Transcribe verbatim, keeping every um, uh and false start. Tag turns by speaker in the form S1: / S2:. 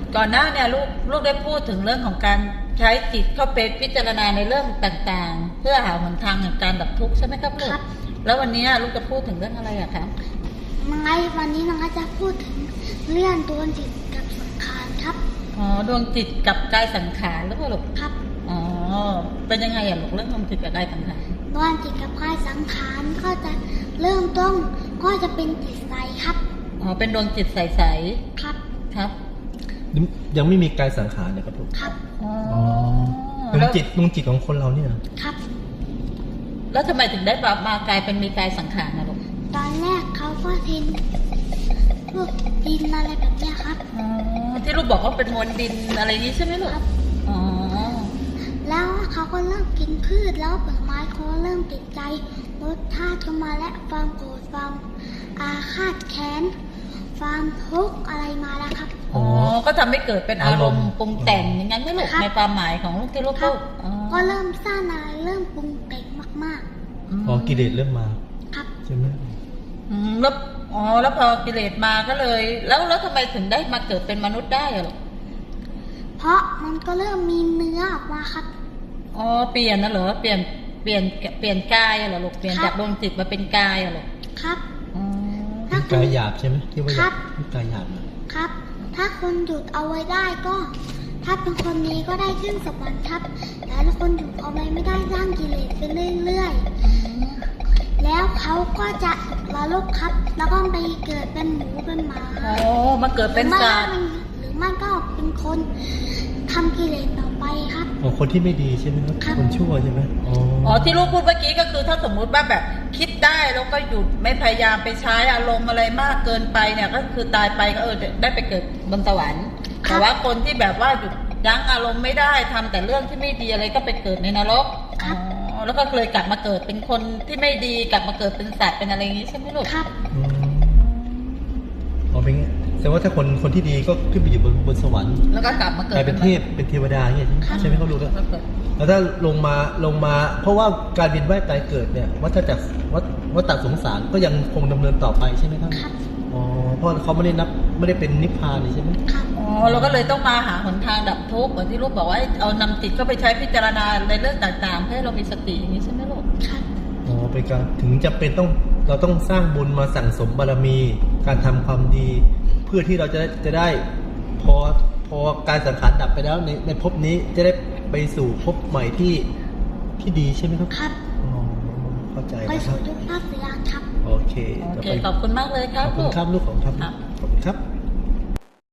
S1: ก่อนหน้าเนี่ยลูกลูกได้พูดถึงเรื่องของการใช้จิตเข้าไปพิจารณาในเรื่องต่างๆเพื่อหาหนทางแห่งการดับทุกข์ใช่ไหมครับลูกแล้ววันนี้ลูกจะพูดถึงเรื่องอะไรอะครับ
S2: ไงวันนี้น้องจะพูดถึงเรื่องดวงจิตกับสังขารครับ
S1: อ๋อดวงจิตกับกายสังขารหรือเปล่าลูก
S2: ครับ
S1: อ๋อเป็นยังไงอะลูกเรื่องดวงจิตกับกายสังขาร
S2: ดวงจิตกับกายสังขารก็จะเริ่มต้นก็จะเป็นจิตใสครับ
S1: อ๋อเป็นดวงจิตใสๆ
S2: ครับ
S1: ครับ
S3: ยังไม่มีกายสังขารเลยครับลูก
S2: ครับ
S3: อ๋อดวงจิตดวงจิตของคนเราเนี่ย
S2: ครับ
S1: แล้วทำไมถึงได้มากลายเป็นมีกายสังขารนะลูก
S2: ตอนแรกเขาก็ทิ้งพวกดินอะไรแบบนี้ครับ
S1: อ๋อที่ลูกบอกว่าเป็นมวลดินอะไรนี้ใช่ไหมลูก
S2: ครับ
S1: อ๋อ
S2: แล้วเขาก็เริ่มกินพืชแล้วผลไม้เขาเริ่มติดใจรสชาติเข้ามาและความโกรธความอาฆาตแค้นความทุกข์อะไรมาแล้วครับ
S1: อ๋อก็ทำให้เกิดเป็นอารมณ์ปรุงแต่งอย่างนั้นไม่ลูกในความหมายของลูกที่ลูกพูด
S2: ก็เริ่มสร้างอะไรเริ่มปรุงแต่งมาก
S3: ๆอ๋อกิเลสเริ่มมา
S2: ครับ
S3: ใช่ไหม
S1: อืมแล้วอ๋อแล้วพอกิเลสมาก็เลยแล้วแล้วทำไมถึงได้มาเกิดเป็นมนุษย์ได้อะลูก
S2: เพราะมันก็เริ่มมีเนื้อออกมาครับ
S1: อ๋อเปลี่ยนนะเหรอเปลี่ยนเปลี่ยนเปลี่ยนกายอะเหรอลูกเปลี่ยนจากดวงจิตมาเป็นกายอะลูก
S2: ครับ
S3: เป็นกายหยาบใช่ไหมที่ว่า
S2: ก
S3: ายหยาบ
S2: ครับถ้าคนหยุดเอาไว้ได้ก็ถ้าเป็นคนนี้ก็ได้ขึ้นสวรรค์ครับแต่ถ้าคนหยุดเอาไว้ไม่ได้สร้างกิเลสไปเรื่อยๆแล้วเขาก็จะละลกครับแล้วก็ไปเกิดเป็นหมูเป็นหมา
S1: อ๋อมาเกิดเป็นสัตว์
S2: หรือไม่ก็เป็นคนทำกิเลสต่อไปครับ
S3: อ๋อคนที่ไม่ดีใช่ไหมครับคนชั่วใช่ไหมอ๋อ
S1: อ๋อที่ลูกพูดเมื่อกี้ก็คือถ้าสมมุติว่าแบบคิดได้แล้วก็หยุดไม่พยายามไปใช้อารมณ์อะไรมากเกินไปเนี่ยก็คือตายไปก็เออได้ไปเกิดบนสวรรค์แต่ว่าคนที่แบบว่าหยุดยั้งอารมณ์ไม่ได้ทำแต่เรื่องที่ไม่ดีอะไรก็ไปเกิดในนรกอ๋อแล้วก็เลยกลับมาเกิดเป็นคนที่ไม่ดีกลับมาเกิดเป็นสัตว์เป็นอะไรอย่างนี้ใช่ไหมลูก
S2: ครับ
S3: อ๋อเป็นแสดงว่าถ้าคนคนที่ดีก็ขึ้นไปอยู่บนบนสวรรค์
S1: แล้วก็กลับมาเกิด
S3: เป็นเทพเป็นเทวดาอย่างนี้ใช่ไหมเขารู้แล้วแล้วถ้าลงมาลงมาเพราะว่าการเวียนว่ายตายเกิดเนี่ยวัฏจักรวัฏวัฏฏะสงสารก็ยังคงดำเนินต่อไปใช่ไหมครับอ๋อเพราะเขาไม่ได้นับไม่ได้เป็นนิพพานเลยใช่ไหม
S1: อ๋อเราก็เลยต้องมาหาหนทางดับทุกข์เหมือนที่ลูกบอกว่าเอานำจิตเข้าไปใช้พิจารณาในเรื่องต่างๆให้เรามีสติอย่างนี้ใช่ไหมลูก
S3: อ๋อเป็นการถึงจะเป็นต้องเราต้องสร้างบุญมาสั่งสมบารมีการทำความดีเพื่อที่เราจะจะได้พอพอการสังขารดับไปแล้วในในภพนี้จะได้ไปสู่ภพใหม่ที่ที่ดีใช่ไหมครับ
S2: ครับ
S3: อ๋อเข้าใจ
S2: ไปสู่ทุกภาคเสียครับ
S3: โอเค
S1: โอเคขอบคุณมากเลยครับ
S3: ขอบคุณครับลูกของครับขอบคุณครับ